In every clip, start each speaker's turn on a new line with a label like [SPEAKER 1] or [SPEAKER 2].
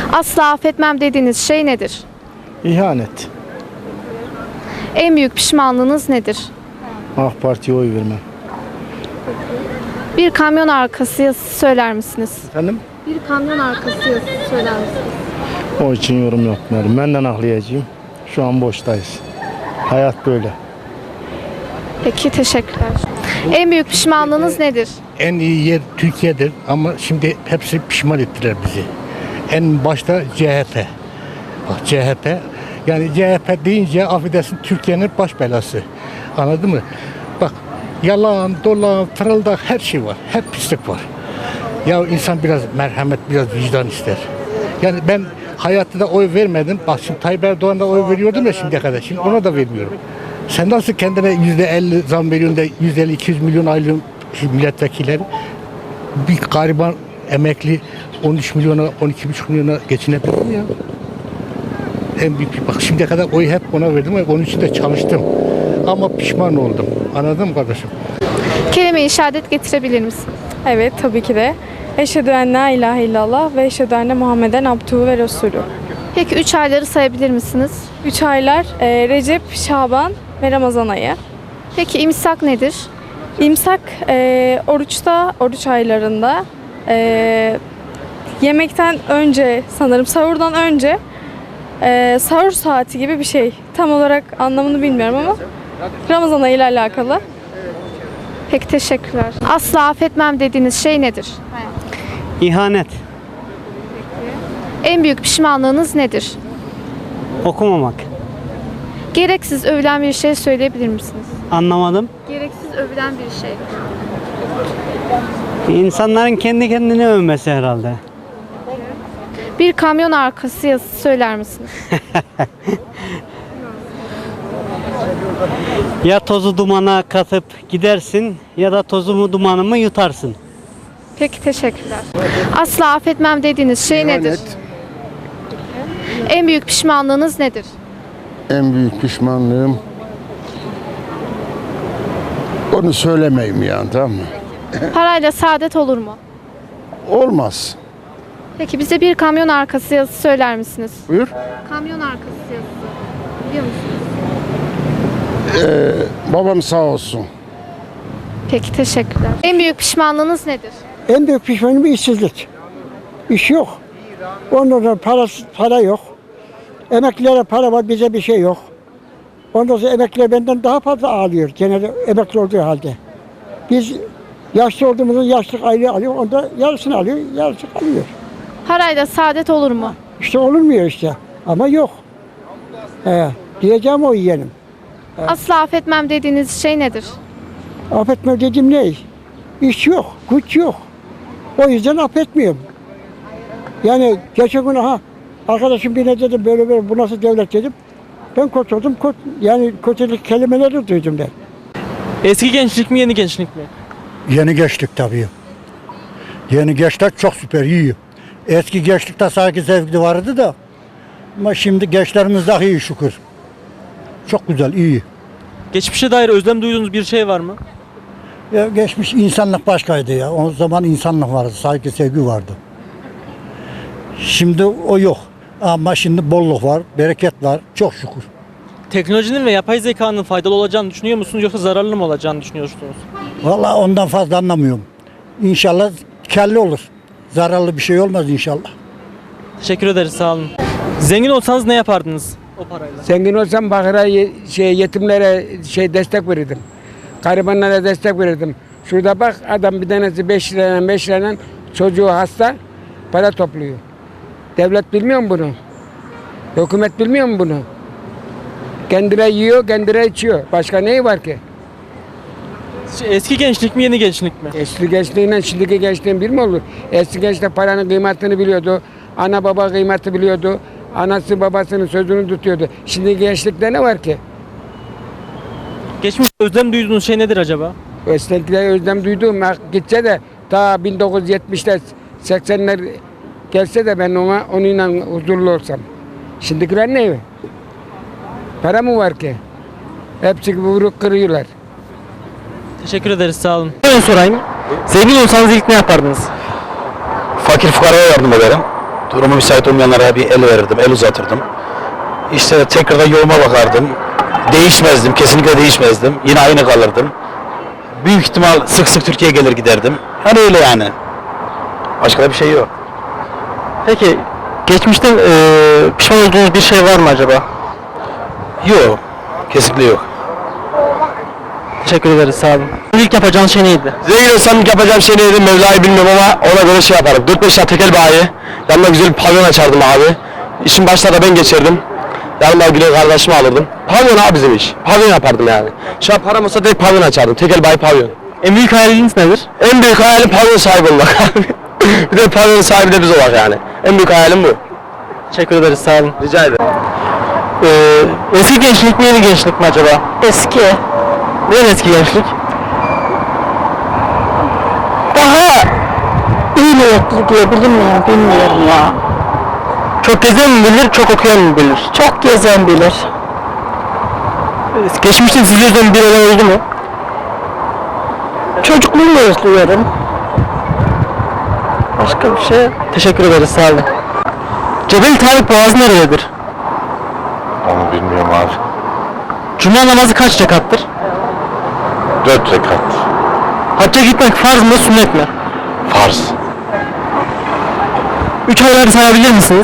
[SPEAKER 1] Asla affetmem dediğiniz şey nedir?
[SPEAKER 2] İhanet.
[SPEAKER 1] En büyük pişmanlığınız nedir?
[SPEAKER 2] AK Parti'ye oy vermem.
[SPEAKER 1] Bir kamyon arkası yazısı söyler misiniz?
[SPEAKER 2] Efendim?
[SPEAKER 1] Bir kamyon arkası yazısı söyler misiniz?
[SPEAKER 2] O için yorum yapmıyorum. Benden akliyacıyım. Şu an boştayız. Hayat böyle.
[SPEAKER 1] Peki, teşekkürler. En büyük pişmanlığınız nedir?
[SPEAKER 3] En iyi yer Türkiye'dir ama şimdi hepsi pişman ettiler bizi. En başta CHP. Bak CHP, yani CHP deyince affedersin Türkiye'nin baş belası. Anladın mı? Bak yalan, dolan, fırıldak her şey var. Hep pislik var. Ya insan biraz merhamet, biraz vicdan ister. Yani ben hayatta da oy vermedim. Bak şimdi Tayyip Erdoğan'a oy veriyordum ya şimdiye kadar. Şimdi ona da vermiyorum. Sen nasıl kendine %50 zam veriyorsun da 150-200 milyon aylığın milletvekilleri, bir gariban emekli 13 milyona 12,5 milyona geçinebilir mi ya? En büyük bak şimdiye kadar oyu hep ona verdim ve onun için de çalıştım. Ama pişman oldum. Anladın mı kardeşim?
[SPEAKER 1] Kelime-i şehadet getirebilir misin?
[SPEAKER 4] Evet, tabii ki de. Eşhedü en la ilahe illallah ve eşhedü enne Muhammeden abduhu ve resulü.
[SPEAKER 1] Peki 3 ayları sayabilir misiniz?
[SPEAKER 4] 3 aylar Recep, Şaban ve Ramazan ayı.
[SPEAKER 1] Peki imsak nedir?
[SPEAKER 4] İmsak oruçta, oruç aylarında yemekten önce, sanırım sahurdan önce, sahur saati gibi bir şey. Tam olarak anlamını bilmiyorum ama Ramazan ayı ile alakalı.
[SPEAKER 1] Peki, teşekkürler. Asla affetmem dediğiniz şey nedir?
[SPEAKER 5] İhanet.
[SPEAKER 1] En büyük pişmanlığınız nedir?
[SPEAKER 5] Okumamak.
[SPEAKER 1] Gereksiz övülen bir şey söyleyebilir misiniz?
[SPEAKER 5] Anlamadım.
[SPEAKER 1] Gereksiz övülen bir şey.
[SPEAKER 5] İnsanların kendi kendini övmesi herhalde.
[SPEAKER 1] Bir kamyon arkası yazısı söyler misiniz?
[SPEAKER 5] Ya tozu dumana katıp gidersin ya da tozu mu dumanı mı yutarsın.
[SPEAKER 1] Peki, teşekkürler. Asla affetmem dediğiniz şey nedir? En büyük pişmanlığınız nedir?
[SPEAKER 6] En büyük pişmanlığım onu söylemeyeyim yani, tamam mı?
[SPEAKER 1] Parayla saadet olur mu?
[SPEAKER 6] Olmaz.
[SPEAKER 1] Peki bize bir kamyon arkası yazısı söyler misiniz?
[SPEAKER 6] Buyur.
[SPEAKER 1] Kamyon arkası yazısı. Biliyor musunuz?
[SPEAKER 6] Babam sağ olsun.
[SPEAKER 1] Peki, teşekkürler. En büyük pişmanlığınız nedir?
[SPEAKER 7] En büyük pişmanlığım işsizlik. İş yok. Ondan sonra para yok. Emeklilere para var, bize bir şey yok. Ondan sonra emekliler benden daha fazla ağlıyor genelde emekli olduğu halde. Biz yaşlı olduğumuzda yaşlık aylığı alıyor, onda yarısını alıyor, yarısı kalıyor.
[SPEAKER 1] Parayla saadet olur mu?
[SPEAKER 7] İşte olmuyor işte ama yok. Diyeceğim o yeğenim.
[SPEAKER 1] Asla affetmem dediğiniz şey nedir?
[SPEAKER 7] Affetme dediğim ne? İş yok, güç yok. O yüzden affetmiyorum. Yani geçen gün arkadaşım birine dedim böyle bu nasıl devlet dedim. Ben kurtuldum, yani kötülük kelimeleri duydum ben.
[SPEAKER 8] Eski gençlik mi, yeni gençlik mi?
[SPEAKER 2] Yeni gençlik tabii. Yeni gençler çok süper, iyi. Eski gençlikte sanki zevkli vardı da. Ama şimdi gençlerimiz daha iyi şükür. Çok güzel, iyi.
[SPEAKER 8] Geçmişe dair özlem duyduğunuz bir şey var mı?
[SPEAKER 2] Ya geçmiş insanlık başkaydı ya. O zaman insanlık vardı, saygı, sevgi vardı. Şimdi o yok. Ama şimdi bolluk var, bereket var. Çok şükür.
[SPEAKER 8] Teknolojinin ve yapay zekanın faydalı olacağını düşünüyor musunuz yoksa zararlı mı olacağını düşünüyorsunuz?
[SPEAKER 2] Vallahi ondan fazla anlamıyorum. İnşallah kelli olur. Zararlı bir şey olmaz inşallah.
[SPEAKER 8] Teşekkür ederiz, sağ olun. Zengin olsanız ne yapardınız o parayla?
[SPEAKER 9] Zengin olsam bakıra yetimlere destek verirdim. Garibanlara destek verirdim. Şurada bak adam bir tanesi 5 lirayla çocuğu hasta para topluyor. Devlet bilmiyor mu bunu? Hükümet bilmiyor mu bunu? Kendileri yiyor, kendileri içiyor. Başka neyi var ki?
[SPEAKER 8] Eski gençlik mi, yeni gençlik mi?
[SPEAKER 9] Eski gençliğiyle şimdiki gençliğin bir mi olur? Eski gençlik paranın kıymetini biliyordu. Ana baba kıymeti biliyordu. Anası babasının sözünü tutuyordu. Şimdiki gençlikte ne var ki?
[SPEAKER 8] Geçmiş özlem duyduğunuz şey nedir acaba?
[SPEAKER 9] Eskilikte özlem duyduğum gitse de ta 1970'ler 80'ler gelse de ben onunla huzurlu olsam. Şimdikiler ne? Para mı var ki? Hepsi vurup kırıyorlar.
[SPEAKER 8] Teşekkür ederiz, sağ olun. Ben sorayım. Zengin olsanız ilk ne yapardınız?
[SPEAKER 10] Fakir fukaraya yardım ederim. Durumu müsait olmayanlara bir el verirdim, el uzatırdım. İşte tekrardan yoluma bakardım. Değişmezdim, kesinlikle değişmezdim. Yine aynı kalırdım. Büyük ihtimal sık sık Türkiye'ye gelir giderdim. Hani öyle yani. Başka da bir şey yok.
[SPEAKER 8] Peki geçmişte pişman olduğunuz bir şey var mı acaba?
[SPEAKER 10] Yok, kesinlikle yok.
[SPEAKER 8] Teşekkür ederiz, sağ olun. İlk yapacağınız şey neydi?
[SPEAKER 10] Zengin olsam ilk yapacağım şey neydi Mevla'yı bilmiyorum ama ona göre şey yaparım. 4-5 tane tekel bayi. Yanıma güzel bir pavyon açardım abi. İşin başına da ben geçerdim. Yanıma güzel kardeşimi alırdım. Pavyon abi bizim iş. Pavyon yapardım yani. Şu an param olsa direkt pavyon açardım. Tekel bayi pavyon.
[SPEAKER 8] En büyük hayaliniz nedir?
[SPEAKER 10] En büyük hayalim pavyon sahibi olmak abi. Bir de pavyonun sahibi de biz olmak yani. En büyük hayalim bu.
[SPEAKER 8] Teşekkür ederiz, sağ olun.
[SPEAKER 10] Rica ederim.
[SPEAKER 8] Eski gençlik mi yeni gençlik mi acaba?
[SPEAKER 11] Eski.
[SPEAKER 8] Neden eski gençlik?
[SPEAKER 11] Daha iyi niyetli diyebilir miyim bilmiyorum ya.
[SPEAKER 8] Çok gezen mi bilir, çok okuyan mı bilir?
[SPEAKER 11] Çok gezen bilir.
[SPEAKER 8] Geçmişte sizi üzen bir olay oldu mu?
[SPEAKER 11] Çocukluğumu özlüyorum. Başka bir şey.
[SPEAKER 8] Teşekkür ederiz, sağ olun. Cebel Tarık Boğazı nerededir?
[SPEAKER 6] Onu bilmiyorum abi.
[SPEAKER 8] Cuma namazı kaç rekattır?
[SPEAKER 6] 4 rekat.
[SPEAKER 8] Hacca gitmek farz mı, sünnet mi?
[SPEAKER 6] Farz.
[SPEAKER 8] 3 ayları sayabilir misiniz?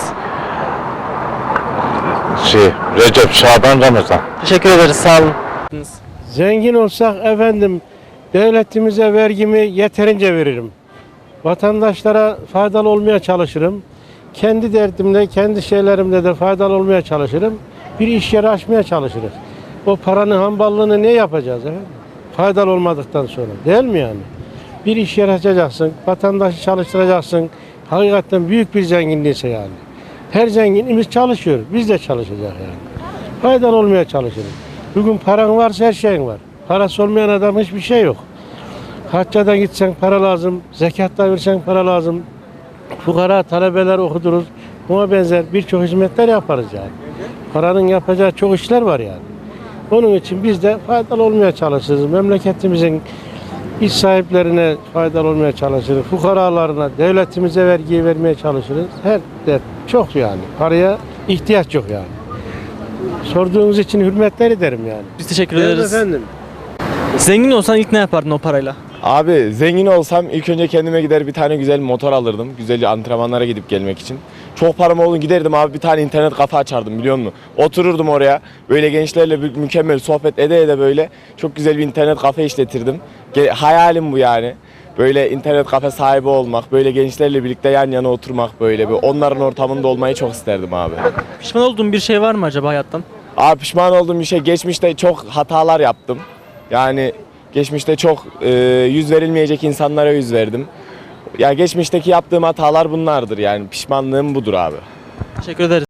[SPEAKER 6] Recep, Şaban, Ramazan.
[SPEAKER 8] Teşekkür ederiz, sağ olun.
[SPEAKER 3] Zengin olsak efendim devletimize vergimi yeterince veririm. Vatandaşlara faydalı olmaya çalışırım. Kendi derdimde, kendi şeylerimde de faydalı olmaya çalışırım. Bir iş yeri açmaya çalışırız. O paranın hamballığını ne yapacağız efendim? Faydalı olmadıktan sonra değil mi yani? Bir iş yeri açacaksın, vatandaşı çalıştıracaksın. Hakikaten büyük bir zenginliğiyse yani. Her zenginimiz çalışıyor, biz de çalışacağız yani. Faydalı olmaya çalışırız. Bugün paran varsa her şeyin var. Parası olmayan adam hiçbir şey yok. Haccadan gitsen para lazım, zekatta versen para lazım. Fukara talebeler okuduruz. Buna benzer birçok hizmetler yaparız yani. Paranın yapacağı çok işler var yani. Onun için biz de faydalı olmaya çalışırız. Memleketimizin iş sahiplerine faydalı olmaya çalışırız. Fukaralarına, devletimize vergiyi vermeye çalışırız. Her dert çok yani. Paraya ihtiyaç yok yani. Sorduğunuz için hürmetler ederim yani.
[SPEAKER 8] Biz teşekkür
[SPEAKER 3] Evet
[SPEAKER 8] ederiz.
[SPEAKER 3] efendim.
[SPEAKER 8] Zengin olsan ilk ne yapardın o parayla?
[SPEAKER 12] Abi zengin olsam ilk önce kendime gider bir tane güzel motor alırdım. Güzel antrenmanlara gidip gelmek için. Çok param olun giderdim abi bir tane internet kafe açardım biliyor musun? Otururdum oraya böyle gençlerle mükemmel sohbet ede ede böyle çok güzel bir internet kafe işletirdim. Hayalim bu yani. Böyle internet kafe sahibi olmak, böyle gençlerle birlikte yan yana oturmak böyle bir onların ortamında olmayı çok isterdim abi.
[SPEAKER 8] Pişman olduğun bir şey var mı acaba hayattan?
[SPEAKER 12] Abi pişman olduğum bir şey geçmişte çok hatalar yaptım. Yani geçmişte çok yüz verilmeyecek insanlara yüz verdim. Ya geçmişteki yaptığım hatalar bunlardır yani pişmanlığım budur abi.
[SPEAKER 8] Teşekkür ederiz.